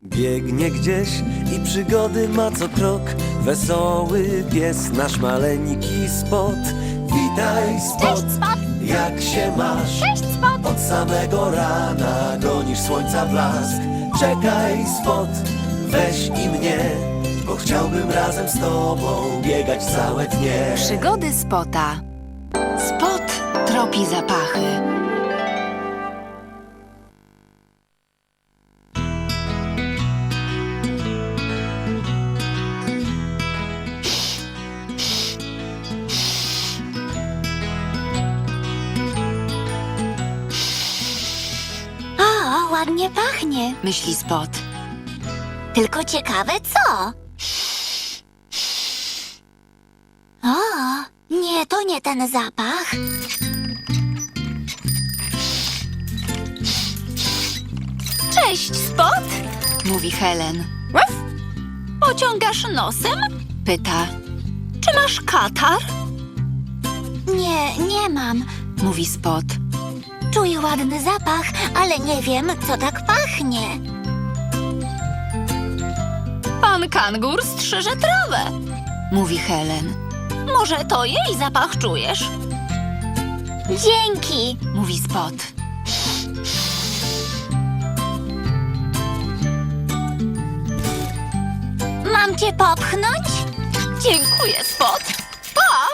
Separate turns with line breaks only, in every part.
Biegnie gdzieś i przygody ma co krok. Wesoły pies, nasz maleńki Spot. Witaj, Spot!
Cześć, Spot!
Jak się masz?
Cześć, Spot!
Od samego rana gonisz słońca blask. Czekaj, Spot, weź i mnie, bo chciałbym razem z tobą biegać całe dnie.
Przygody Spota. Spot tropi zapachy.
O, ładnie pachnie.
Myśli Spot.
Tylko ciekawe co? O, nie, to nie ten zapach.
Cześć, Spot!
Mówi Helen.
Ruff? Pociągasz nosem?
Pyta.
Czy masz katar?
Nie mam.
Mówi Spot.
Czuję ładny zapach, ale nie wiem, co tak pachnie.
Pan kangur strzyże trawę.
Mówi Helen.
Może to jej zapach czujesz?
Dzięki.
Mówi Spot.
Mam cię popchnąć?
Dziękuję, Spot. Pa!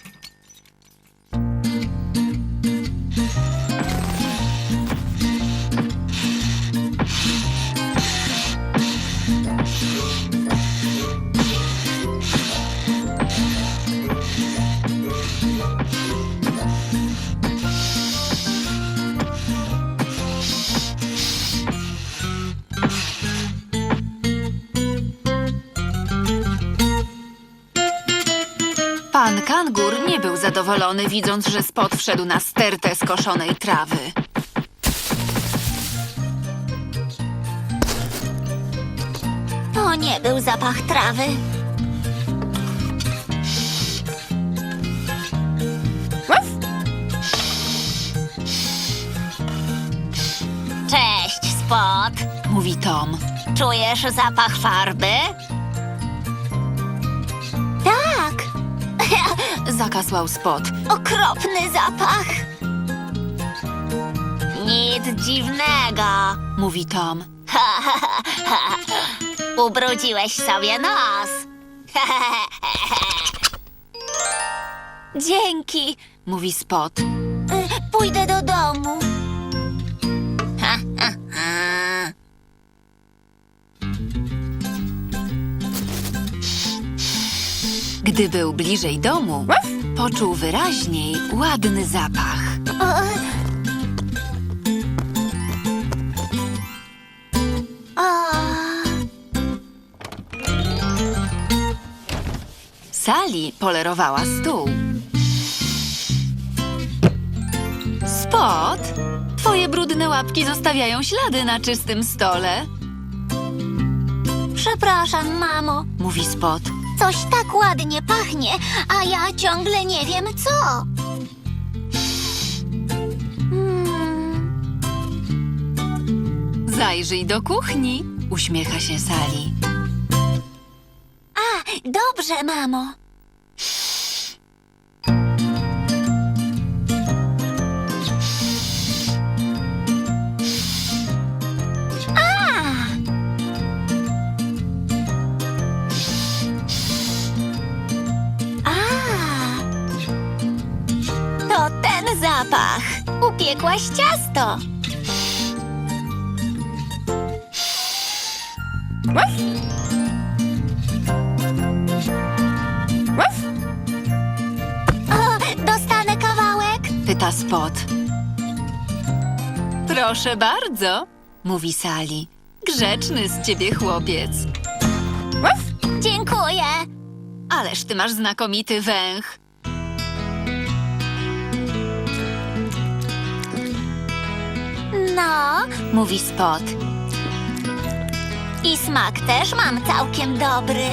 Pan kangur nie był zadowolony, widząc, że Spot wszedł na stertę skoszonej trawy.
To nie był zapach trawy.
Ruff?
Cześć, Spot.
Mówi Tom.
Czujesz zapach farby? Tak.
Zakasłał Spot.
Okropny zapach. Nic dziwnego.
Mówi Tom.
Ubrudziłeś sobie nos.
Dzięki. Mówi Spot.
Pójdę do domu.
Gdy był bliżej domu, poczuł wyraźniej ładny zapach. Sally polerowała stół. Spot, twoje brudne łapki zostawiają ślady na czystym stole,
Przepraszam, mamo.
mówi Spot.
Coś tak ładnie pachnie, a ja ciągle nie wiem co.
Zajrzyj do kuchni, uśmiecha się Sally.
A, dobrze, mamo. To ten zapach. Upiekłaś ciasto.
Ruff? Ruff?
O, dostanę kawałek?
Pyta Spot. Proszę bardzo, mówi Sally. Grzeczny z ciebie chłopiec.
Ruff?
Dziękuję.
Ależ ty masz znakomity węch.
No,
Mówi Spot.
i smak też mam całkiem dobry.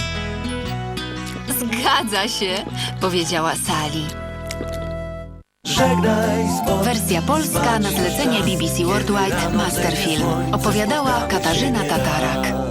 Zgadza się, powiedziała Sally.
Żegnaj spot.
Wersja polska na zlecenie BBC Worldwide Masterfilm. Opowiadała Katarzyna Tatarak.